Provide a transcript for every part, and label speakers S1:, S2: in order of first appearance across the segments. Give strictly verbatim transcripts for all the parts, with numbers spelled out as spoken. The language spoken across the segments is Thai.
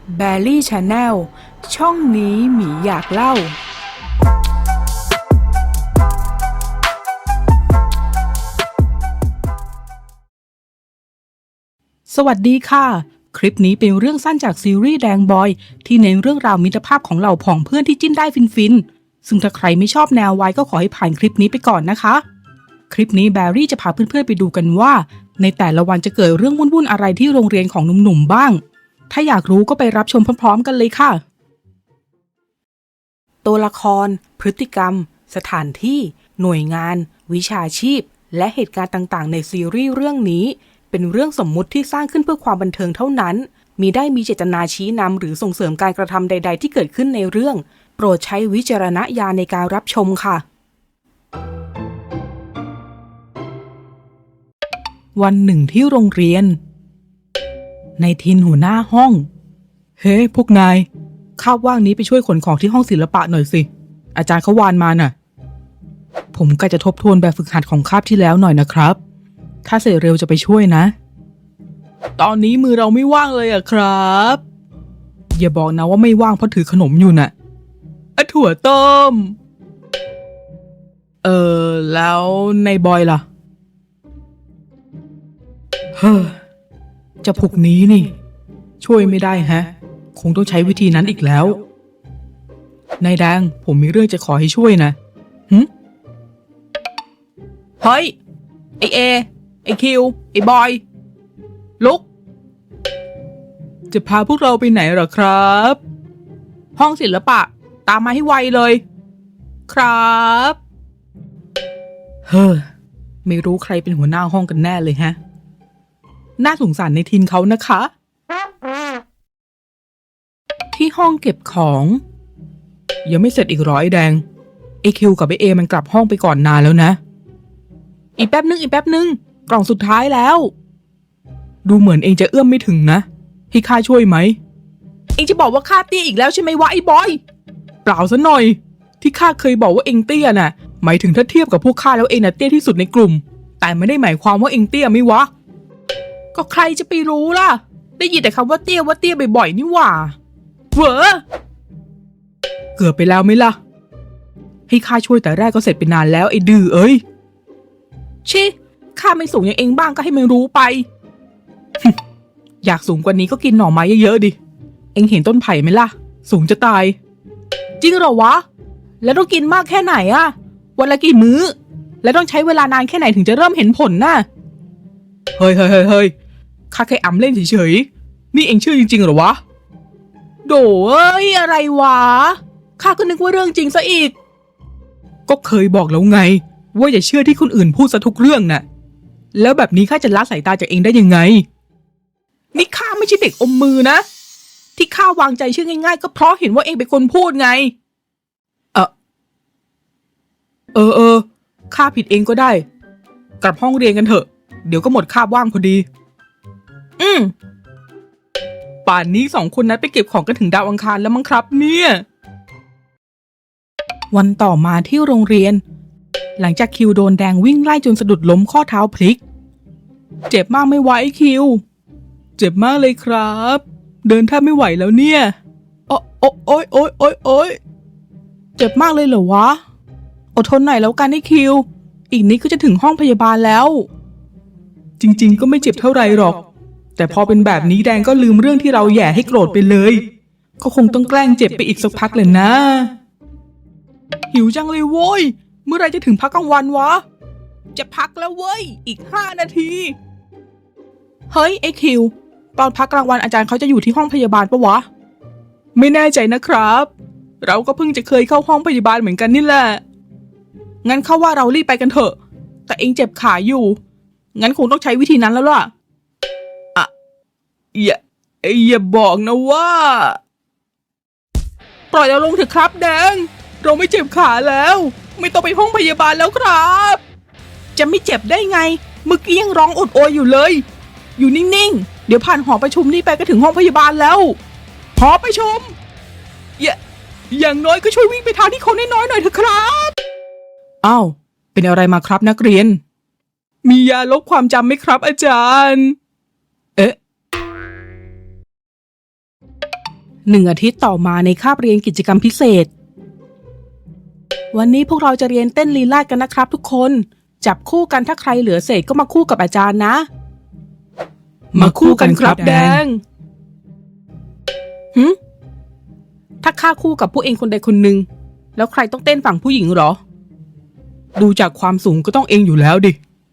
S1: แบรี่ชาแนลช่องนี้หมีอยากเล่าสวัสดีค่ะคลิปนี้เป็นเรื่องสั้นจากซีรีส์แดงบอยที่เน้นเรื่องราวมิตรภาพของเหล่าผองเพื่อนที่จิ้นได้ฟินๆซึ่งถ้าใครไม่ชอบแนววายก็ขอให้ผ่านคลิปนี้ไปก่อนนะคะคลิปนี้แบรี่จะพาเพื่อนๆไปดูกันว่าในแต่ละวันจะเกิดเรื่องวุ่นๆอะไรที่โรงเรียนของหนุ่มๆบ้างถ้าอยากรู้ก็ไปรับชมพร้อมๆกันเลยค่ะตัวละครพฤติกรรมสถานที่หน่วยงานวิชาชีพและเหตุการณ์ต่างๆในซีรีส์เรื่องนี้เป็นเรื่องสมมุติที่สร้างขึ้นเพื่อความบันเทิงเท่านั้นมิได้มีเจตนาชี้นำหรือส่งเสริมการกระทำใดๆที่เกิดขึ้นในเรื่องโปรดใช้วิจารณญาณในการรับชมค่ะวันหนึ่งที่โรงเรียนในทินหัวหน้าห้องเฮ้พวกนายคาบว่างนี้ไปช่วยขนของที่ห้องศิลปะหน่อยสิอาจารย์เขาวานมาน่ะผมก็จะทบทวนแบบฝึกหัดของคาบที่แล้วหน่อยนะครับถ้าเสร็จเร็วจะไปช่วยนะตอนนี้มือเราไม่ว่างเลยอะครับอย่าบอกนะว่าไม่ว่างเพราะถือขนมอยู่น่ะอะถั่วต้มเออแล้วในบอยล่ะเฮ้อเจ้าพวกนี้นี่ช่วยไม่ได้ฮะคงต้องใช้วิธีนั้นอีกแล้วนายแดงผมมีเรื่องจะขอให้ช่วยนะหึเฮ้ยไอเอไอคิวไอบอยลุกจะพาพวกเราไปไหนเหรอครับห้องศิลปะตามมาให้ไวเลยครับเฮ้อไม่รู้ใครเป็นหัวหน้าห้องกันแน่เลยฮะน่าสงสารในทินเขานะคะที่ห้องเก็บของยังไม่เสร็จอีกร้อยแดงไอคิวกับไอเอมันกลับห้องไปก่อนนานแล้วนะอีกแป๊บนึงอีกแป๊บนึงกล่องสุดท้ายแล้วดูเหมือนเองจะเอื้อมไม่ถึงนะให้ข้าช่วยไหมเองจะบอกว่าข้าเตี้ยอีกแล้วใช่ไหมวะไอ้บอยเปล่าซะหน่อยที่ข้าเคยบอกว่าเองเตี้ยน่ะหมายถึงถ้าเทียบกับพวกข้าแล้วเองน่ะเตี้ยที่สุดในกลุ่มแต่ไม่ได้หมายความว่าเองเตี้ยไม่วะก็ใครจะไปรู้ล่ะได้ยินแต่คำว่าเตี้ยว่าเตี้ยบ่อยๆนี่หว่าเหวอเกือบไปแล้วไหมล่ะให้ข้าช่วยแต่แรกก็เสร็จไปนานแล้วไอ้ดื้อเอ้ยชิข้าไม่สูงอย่างเองบ้างก็ให้มันรู้ไป อยากสูงกว่านี้ก็กินหน่อไม้เยอะๆดิเอ็งเห็นต้นไผ่ไหมล่ะสูงจะตายจริงเหรอวะแล้วต้องกินมากแค่ไหนอะวันละกี่มื้อแล้วต้องใช้เวลานานแค่ไหนถึงจะเริ่มเห็นผลน่ะเฮ้ยเฮ้ยเฮ้ยเฮ้ยข้าแค่อำเล่นเฉยๆนี่เอ็งเชื่อจริงๆเหรอวะโดเอ้ยอะไรวะข้าก็นึกว่าเรื่องจริงซะอีกก็เคยบอกแล้วไงว่าอย่าเชื่อที่คนอื่นพูดซะทุกเรื่องน่ะแล้วแบบนี้ข้าจะละสายตาจากเองได้ยังไงนี่ข้าไม่ใช่เด็กอมมือนะที่ข้าวางใจเชื่อง่ายๆก็เพราะเห็นว่าเองเป็นคนพูดไงเออเออเออข้าผิดเองก็ได้กลับห้องเรียนกันเถอะเดี๋ยวก็หมดคาบว่างพอดีอืมป่านนี้สองคนนั้นไปเก็บของกันถึงดาวอังคารแล้วมั้งครับเนี่ยวันต่อมาที่โรงเรียนหลังจากคิวโดนแดงวิ่งไล่จนสะดุดล้มข้อเท้าพลิกเจ็บมากไม่ไหวคิวเจ็บมากเลยครับเดินแทบไม่ไหวแล้วเนี่ยโอ๊โอ๊โอ๊ยโอ๊ยโอ๊ยโอ๊ยเจ็บมากเลยเหรอวะอดทนหน่อยแล้วกันไอ้คิวอีกนิดก็จะถึงห้องพยาบาลแล้วจริงๆก็ไม่เจ็บเท่าไรหรอกแต่พอเป็นแบบนี้แดงก็ลืมเรื่องที่เราแย่ให้โกรธไปเลยก็คงต้องแกล้งเจ็บไปอีกสักพักเลยนะหิวจังเลยโว้ยเมื่อไรจะถึงพักกลางวันวะจะพักแล้วเว้ยอีกห้านาทีเฮ้ยไอ้คิวตอนพักกลางวันอาจารย์เขาจะอยู่ที่ห้องพยาบาลปะวะไม่แน่ใจนะครับเราก็เพิ่งจะเคยเข้าห้องพยาบาลเหมือนกันนี่แหละงั้นเข้าว่าเรารีบไปกันเถอะแต่เองเจ็บขาอยู่งั้นคงต้องใช้วิธีนั้นแล้วล่ะอ่ะอย่าอย่าบอกนะว่าปล่อยเราลงเถอะครับแดงเราไม่เจ็บขาแล้วไม่ต้องไปห้องพยาบาลแล้วครับจะไม่เจ็บได้ไงเมื่อกี้ยังร้องอดโอยอยู่เลยอยู่นิ่งๆเดี๋ยวผ่านหอประชุมนี่ไปก็ถึงห้องพยาบาลแล้วหอประชุมอย่าอย่างน้อยก็ช่วยวิ่งไปทางที่คนน้อยๆหน่อยเถอะครับอ้าวเป็นอะไรมาครับนักเรียนมียาลบความจำไหมครับอาจารย์เอ๊ะหนึ่งอาทิตย์ต่อมาในคาบเรียนกิจกรรมพิเศษวันนี้พวกเราจะเรียนเต้นลีลาศกันนะครับทุกคนจับคู่กันถ้าใครเหลือเศษก็มาคู่กับอาจารย์นะมาคู่กันครับแดงหึถ้าข้าคู่กับผู้เองคนใดคนหนึ่งแล้วใครต้องเต้นฝั่งผู้หญิงเหรอดูจากความสูงก็ต้องเองอยู่แล้วดิ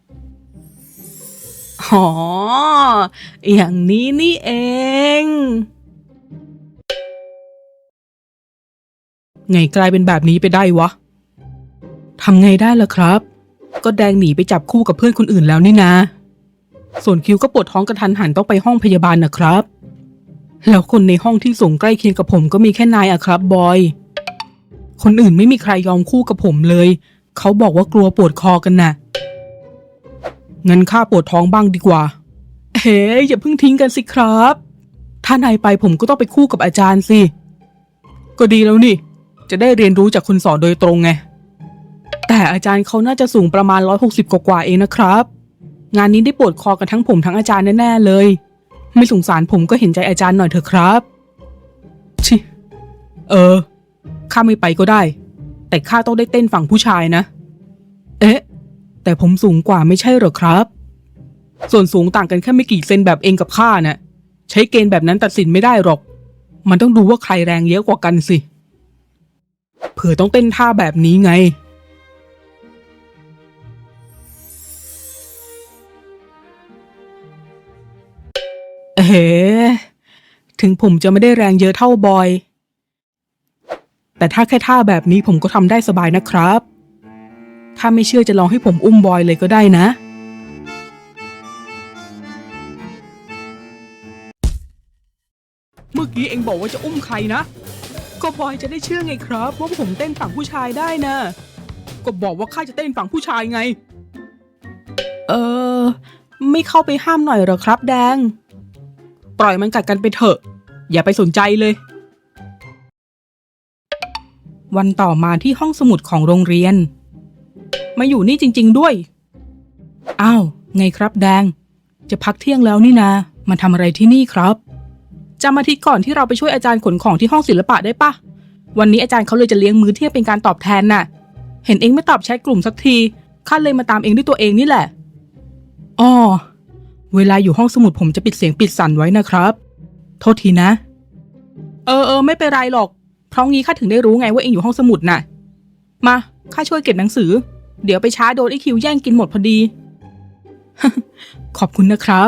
S1: อ๋ออย่างนี้นี่เองไงกลายเป็นแบบนี้ไปได้วะทำไงได้ล่ะครับก็แดงหนีไปจับคู่กับเพื่อนคนอื่นแล้วนี่นะส่วนคิวก็ปวดท้องกระทันหันต้องไปห้องพยาบาลนะครับแล้วคนในห้องที่สูงใกล้เคียงกับผมก็มีแค่นายอะครับบอยคนอื่นไม่มีใครยอมคู่กับผมเลยเขาบอกว่ากลัวปวดคอกันน่ะงั้นข้าปวดท้องบ้างดีกว่าเฮ้ยอย่าเพิ่งทิ้งกันสิครับถ้านายไปผมก็ต้องไปคู่กับอาจารย์สิก็ดีแล้วนี่จะได้เรียนรู้จากคนสอนโดยตรงไงแต่อาจารย์เขาน่าจะสูงประมาณร้อยหกสิบกว่าๆเองนะครับงานนี้ได้ปวดคอกันทั้งผมทั้งอาจารย์แน่ๆเลยไม่สงสารผมก็เห็นใจอาจารย์หน่อยเถอะครับชิเออข้าไม่ไปก็ได้แต่ข้าต้องได้เต้นฝั่งผู้ชายนะเอ๊ะแต่ผมสูงกว่าไม่ใช่เหรอครับส่วนสูงต่างกันแค่ไม่กี่เซนแบบเองกับข้าน่ะใช้เกณฑ์แบบนั้นตัดสินไม่ได้หรอกมันต้องดูว่าใครแรงเยอะกว่ากันสิเผื่อต้องเต้นท่าแบบนี้ไงเอ๋ถึงผมจะไม่ได้แรงเยอะเท่าบอยแต่ถ้าแค่ท่าแบบนี้ผมก็ทำได้สบายนะครับถ้าไม่เชื่อจะลองให้ผมอุ้มบอยเลยก็ได้นะเมื่อกี้เอ็งบอกว่าจะอุ้มใครนะก็บอยจะได้เชื่อไงครับว่าผมเต้นฝั่งผู้ชายได้นะก็บอกว่าข้าจะเต้นฝั่งผู้ชายไงเออไม่เข้าไปห้ามหน่อยเหรอครับแดงปล่อยมันกัดกันไปเถอะอย่าไปสนใจเลยวันต่อมาที่ห้องสมุดของโรงเรียนมาอยู่นี่จริงๆด้วยอ้าวไงครับแดงจะพักเที่ยงแล้วนี่นามาทำอะไรที่นี่ครับจำอาทิตย์ก่อนที่เราไปช่วยอาจารย์ขนของที่ห้องศิลปะได้ปะวันนี้อาจารย์เขาเลยจะเลี้ยงมื้อเที่ยงเป็นการตอบแทนน่ะเห็นเองไม่ตอบแชทกลุ่มสักทีข้าเลยมาตามเองด้วยตัวเองนี่แหละอ้อเวลาอยู่ห้องสมุดผมจะปิดเสียงปิดสั่นไว้นะครับโทษทีนะเออเออไม่เป็นไรหรอกเพราะงี้ข้าถึงได้รู้ไงว่าเองอยู่ห้องสมุดน่ะมาข้าช่วยเก็บหนังสือเดี๋ยวไปช้าโดนไอคิวแย่งกินหมดพอดี ขอบคุณนะครับ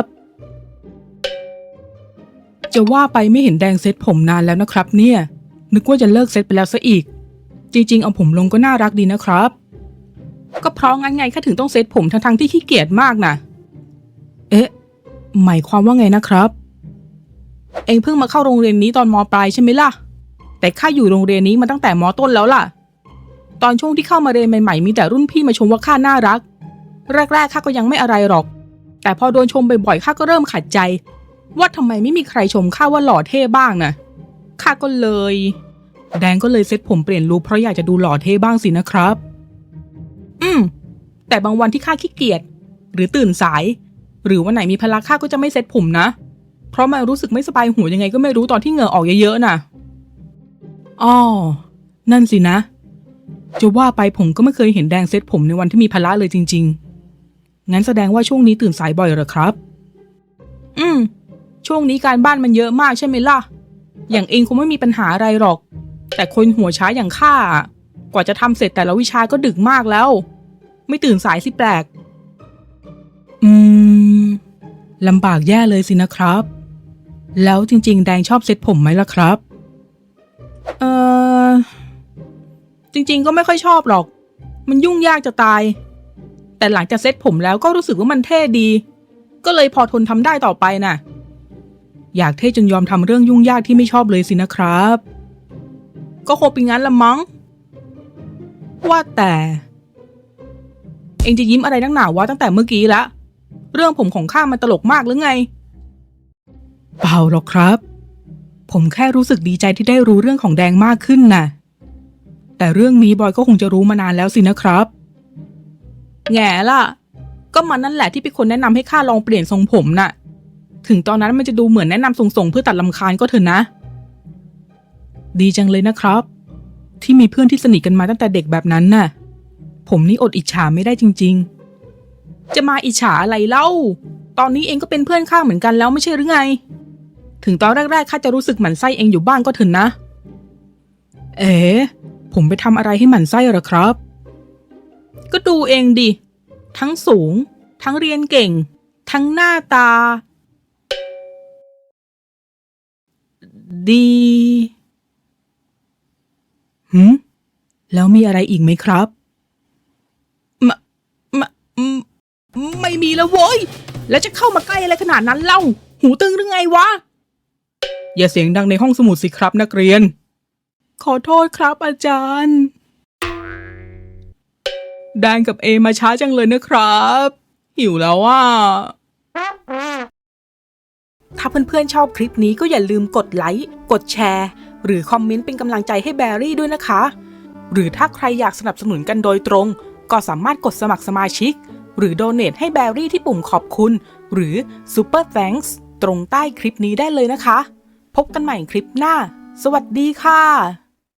S1: จะว่าไปไม่เห็นแดงเซ็ตผมนานแล้วนะครับเนี่ยนึกว่าจะเลิกเซ็ตไปแล้วซะอีกจริงๆเอาผมลงก็น่ารักดีนะครับก็เพราะงั้นไงข้าถึงต้องเซ็ตผมทั้งๆที่ขี้เกียจมากน่ะเอ๊ะหมายความว่าไงนะครับเองเพิ่งมาเข้าโรงเรียนนี้ตอนม.ปลายใช่ไหมล่ะแต่ข้าอยู่โรงเรียนนี้มาตั้งแต่ม.ต้นแล้วล่ะตอนช่วงที่เข้ามาเรียนใหม่ๆมีแต่รุ่นพี่มาชมว่าข้าน่ารักแรกๆข้าก็ยังไม่อะไรหรอกแต่พอโดนชมบ่อยๆข้าก็เริ่มขัดใจว่าทำไมไม่มีใครชมข้าว่าหล่อเท่บ้างนะข้าก็เลยแดงก็เลยเซ็ตผมเปลี่ยนลุคเพราะอยากจะดูหล่อเท่บ้างสินะครับอืมแต่บางวันที่ข้าขี้เกียจหรือตื่นสายหรือวันไหนมีพละข้าก็จะไม่เซ็ตผมนะเพราะมันรู้สึกไม่สบายหัวยังไงก็ไม่รู้ตอนที่เหงื่อออกเยอะๆน่ะอ้อนั่นสินะจะว่าไปผมก็ไม่เคยเห็นแดงเซ็ตผมในวันที่มีพละเลยจริงๆงั้นแสดงว่าช่วงนี้ตื่นสายบ่อยเหรอครับอืมช่วงนี้การบ้านมันเยอะมากใช่ไหมล่ะอย่างเองคงไม่มีปัญหาอะไรหรอกแต่คนหัวช้าอย่างข้ากว่าจะทำเสร็จแต่ละวิชาก็ดึกมากแล้วไม่ตื่นสายสิแปลกอืมลำบากแย่เลยสินะครับแล้วจริงๆแดงชอบเซ็ตผมไหมล่ะครับเออจริงๆก็ไม่ค่อยชอบหรอกมันยุ่งยากจะตายแต่หลังจากเซ็ตผมแล้วก็รู้สึกว่ามันเท่ดีก็เลยพอทนทำได้ต่อไปน่ะอยากเท่จนยอมทำเรื่องยุ่งยากที่ไม่ชอบเลยสินะครับก็คงเป็นงั้นละมั้งว่าแต่เอ็งจะยิ้มอะไรนักหนาวะตั้งแต่เมื่อกี้ละเรื่องผมของข้ามันตลกมากหรือไงเปล่าหรอกครับผมแค่รู้สึกดีใจที่ได้รู้เรื่องของแดงมากขึ้นน่ะแต่เรื่องนี้บอยก็คงจะรู้มานานแล้วสินะครับแง่ล่ะก็มันนั่นแหละที่เป็นคนแนะนำให้ข้าลองเปลี่ยนทรงผมน่ะถึงตอนนั้นมันจะดูเหมือนแนะนำส่งๆเพื่อตัดรำคาญก็เถอะนะดีจังเลยนะครับ ที่มีเพื่อนที่สนิทกันมาตั้งแต่เด็กแบบนั้นน่ะ ผมนี่อดอิจฉาไม่ได้จริงๆ จะมาอิจฉาอะไรเล่า ตอนนี้เองก็เป็นเพื่อนข้าเหมือนกันแล้วไม่ใช่หรือไง ถึงตอนแรกๆข้าจะรู้สึกหมั่นไส้เองอยู่บ้างก็เถอะนะ เอ๋ผมไปทำอะไรให้หมั่นไส้เหรอครับ ก็ดูเองดิ ทั้งสูง ทั้งเรียนเก่ง ทั้งหน้าตา ดีหืมแล้วมีอะไรอีกไหมครับมะมะมไม่มีแล้วโว้ย แล้วจะเข้ามาใกล้อะไรขนาดนั้นเล่า หูตึงหรือไงวะ อย่าเสียงดังในห้องสมุดสิครับนักเรียน ขอโทษครับอาจารย์แดนกับเอมาช้าจังเลยนะครับ หิวแล้วอ่ะ ถ้าเพื่อนๆชอบคลิปนี้ก็อย่าลืมกดไลค์ กดแชร์ หรือคอมเมนต์เป็นกำลังใจให้แบรี่ด้วยนะคะ หรือถ้าใครอยากสนับสนุนกันโดยตรง ก็สามารถกดสมัครสมาชิก หรือโดเนทให้แบรี่ที่ปุ่มขอบคุณ หรือ Super Thanks ตรงใต้คลิปนี้ได้เลยนะคะ พบกันใหม่คลิปหน้า สวัสดีค่ะ